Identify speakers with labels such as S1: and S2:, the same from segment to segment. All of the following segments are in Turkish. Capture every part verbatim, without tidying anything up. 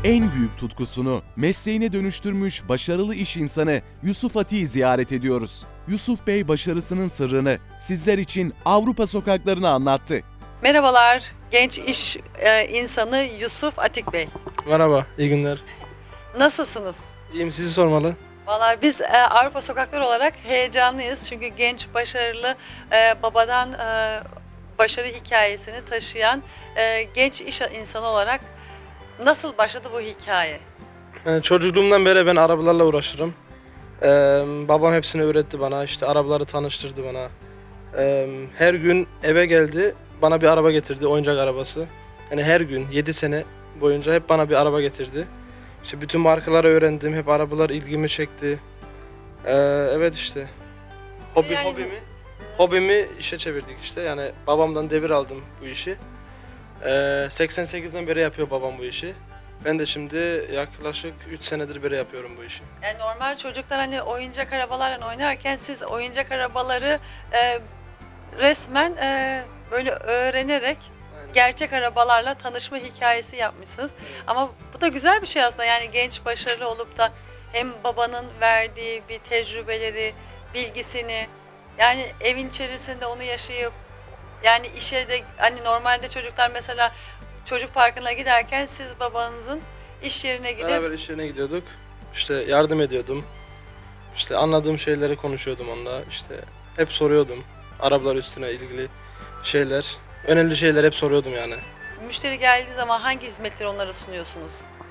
S1: En büyük tutkusunu mesleğine dönüştürmüş başarılı iş insanı Yusuf Atik'i ziyaret ediyoruz. Yusuf Bey başarısının sırrını sizler için Avrupa sokaklarına anlattı.
S2: Merhabalar, genç iş e, insanı Yusuf Atik Bey.
S3: Merhaba, iyi günler.
S2: Nasılsınız?
S3: İyiyim, sizi sormalı.
S2: Vallahi biz e, Avrupa sokakları olarak heyecanlıyız. Çünkü genç, başarılı, e, babadan e, başarı hikayesini taşıyan e, genç iş insanı olarak nasıl başladı bu hikaye?
S3: Yani çocukluğumdan beri ben arabalarla uğraşırım. Ee, babam hepsini öğretti bana, işte arabaları tanıştırdı bana. Ee, her gün eve geldi, bana bir araba getirdi, oyuncak arabası. Yani her gün, yedi sene boyunca hep bana bir araba getirdi. İşte bütün markaları öğrendim, hep arabalar ilgimi çekti. Ee, evet işte, hobi,
S2: Yani-
S3: hobimi, hobimi işe çevirdik işte. Yani babamdan devir aldım bu işi. Ee, seksen sekizden beri yapıyor babam bu işi. Ben de şimdi yaklaşık üç senedir beri yapıyorum bu işi.
S2: Yani normal çocuklar hani oyuncak arabalarla oynarken siz oyuncak arabaları e, resmen e, böyle öğrenerek gerçek arabalarla tanışma hikayesi yapmışsınız. Ama bu da güzel bir şey aslında. Yani genç, başarılı olup da hem babanın verdiği bir tecrübeleri, bilgisini, yani evin içerisinde onu yaşayıp, yani işe de hani normalde çocuklar mesela çocuk parkına giderken siz babanızın iş yerine gidip
S3: Beraber iş yerine gidiyorduk. İşte yardım ediyordum. İşte anladığım şeyleri konuşuyordum onunla. İşte hep soruyordum. Arabalar üstüne ilgili şeyler. Önemli şeyler hep soruyordum yani.
S2: müşteri geldiği zaman hangi hizmetleri onlara sunuyorsunuz?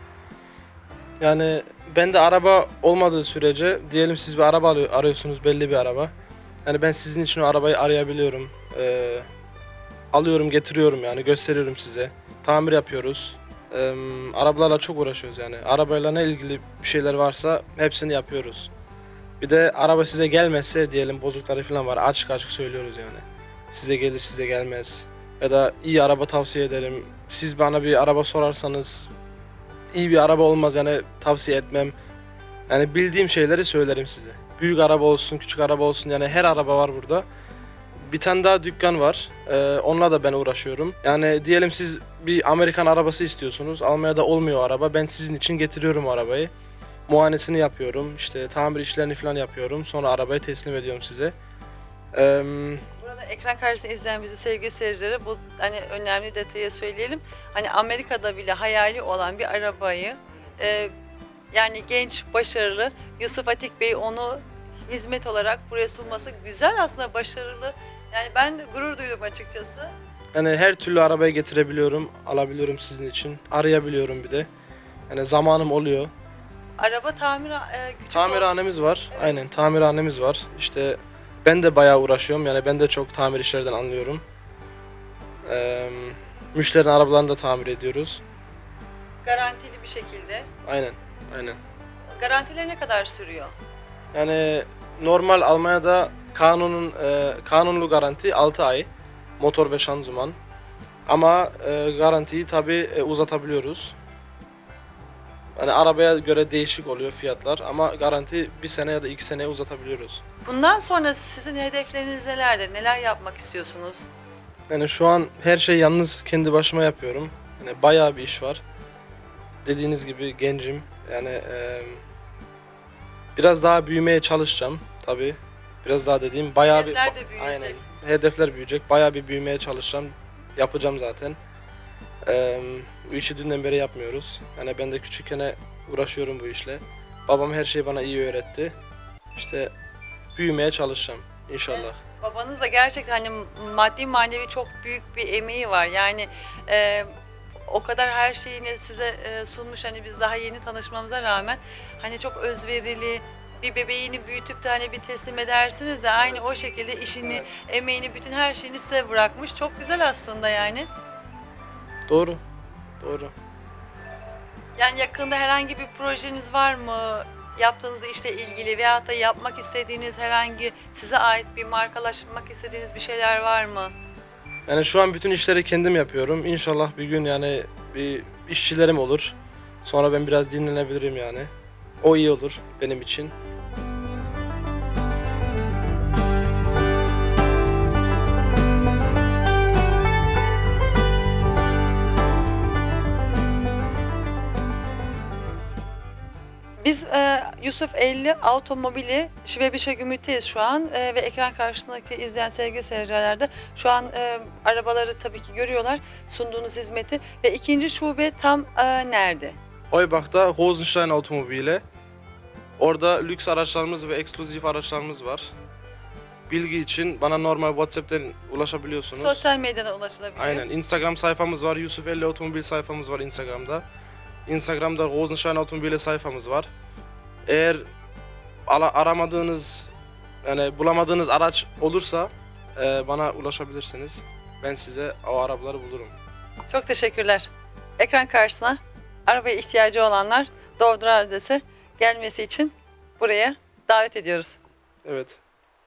S3: Yani bende araba olmadığı sürece, diyelim siz bir araba arıyor- arıyorsunuz, belli bir araba. Yani ben sizin için o arabayı arayabiliyorum. Ee, alıyorum, getiriyorum yani, gösteriyorum size. Tamir yapıyoruz. Ee, arabalarla çok uğraşıyoruz yani. Arabayla ne ilgili bir şeyler varsa hepsini yapıyoruz. Bir de araba size gelmezse, diyelim bozukları falan var, açık açık söylüyoruz yani. Size gelir, size gelmez. Ya da iyi araba tavsiye ederim. Siz bana bir araba sorarsanız iyi bir araba olmaz yani, tavsiye etmem. Yani bildiğim şeyleri söylerim size. Büyük araba olsun, küçük araba olsun, yani her araba var burada. Bir tane daha dükkan var. Ee, onunla da ben uğraşıyorum. Yani diyelim siz bir Amerikan arabası istiyorsunuz. Almanya'da olmuyor o araba. Ben sizin için getiriyorum o arabayı. Muayenesini yapıyorum. İşte tamir işlerini falan yapıyorum. Sonra arabayı teslim ediyorum size. Ee,
S2: Burada ekran karşısında izleyen bizi sevgili seyircilere bu hani önemli detayı söyleyelim. Hani Amerika'da bile hayali olan bir arabayı e, yani genç, başarılı Yusuf Atik Bey onu hizmet olarak buraya sunması güzel, aslında başarılı. Yani ben gurur duydum açıkçası.
S3: yani her türlü arabayı getirebiliyorum. Alabiliyorum sizin için. Arayabiliyorum bir de. Yani zamanım oluyor.
S2: Araba tamir e, küçük olsun.
S3: Tamirhanemiz var.
S2: Evet.
S3: Aynen, tamirhanemiz var. İşte ben de bayağı uğraşıyorum. Yani ben de çok tamir işlerden anlıyorum. Ee, müşterinin arabalarını da tamir ediyoruz.
S2: Garantili bir şekilde.
S3: Aynen, aynen.
S2: Garantileri ne kadar sürüyor?
S3: Yani normal Almanya'da kanunun e, kanunlu garanti altı ay. Motor ve şanzıman. Ama e, garantiyi tabii e, uzatabiliyoruz. Yani arabaya göre değişik oluyor fiyatlar ama garanti bir sene ya da iki seneye uzatabiliyoruz.
S2: Bundan sonra sizin hedefleriniz nelerdir? Neler yapmak istiyorsunuz?
S3: Yani şu an her şeyi yalnız kendi başıma yapıyorum. Yani bayağı bir iş var. Dediğiniz gibi gencim. Yani e, biraz daha büyümeye çalışacağım tabii. Biraz daha dediğim bayağı bir
S2: Hedefler de büyüyecek.
S3: aynen. Hedefler büyüyecek. Bayağı bir büyümeye çalışacağım. Yapacağım zaten. E, bu işi dünden beri yapmıyoruz. Yani ben de küçükken uğraşıyorum bu işle. Babam her şeyi bana iyi öğretti. İşte büyümeye çalışacağım inşallah.
S2: Babanız da gerçekten hani maddi manevi çok büyük bir emeği var. Yani e, o kadar her şeyini size e, sunmuş, hani biz daha yeni tanışmamıza rağmen hani çok özverili, bir bebeğini büyütüp de hani bir teslim edersiniz de aynı o şekilde işini,
S3: Evet.
S2: emeğini, bütün her şeyini size bırakmış. Çok güzel aslında yani.
S3: Doğru. Doğru.
S2: Yani yakında herhangi bir projeniz var mı? Yaptığınız işle ilgili veyahut da yapmak istediğiniz herhangi size ait bir markalaşmak istediğiniz bir şeyler var mı?
S3: Yani şu an bütün işleri kendim yapıyorum. İnşallah bir gün yani bir işçilerim olur. Sonra ben biraz dinlenebilirim yani. O iyi olur benim için.
S2: Biz e, Yusuf elli Otomobili Şivebişe Gümrük'teyiz şu an e, ve ekran karşısındaki izleyen sevgili seyirciler de şu an e, arabaları tabii ki görüyorlar, sunduğunuz hizmeti. Ve ikinci şube tam e, nerede?
S3: Oybach'ta Rosenstein Otomobili. Orada lüks araçlarımız ve ekskluzif araçlarımız var. Bilgi için bana normal WhatsApp'tan ulaşabiliyorsunuz.
S2: Sosyal medyadan ulaşılabiliyor.
S3: Aynen. Instagram sayfamız var. Yusuf elli Otomobil sayfamız var Instagram'da. Instagram'da Rosenstein Otomobili sayfamız var. Eğer ala- aramadığınız, yani bulamadığınız araç olursa e, bana ulaşabilirsiniz. Ben size o arabaları bulurum.
S2: Çok teşekkürler. Ekran karşısına arabaya ihtiyacı olanlar Doğru adrese gelmesi için buraya davet ediyoruz.
S3: Evet.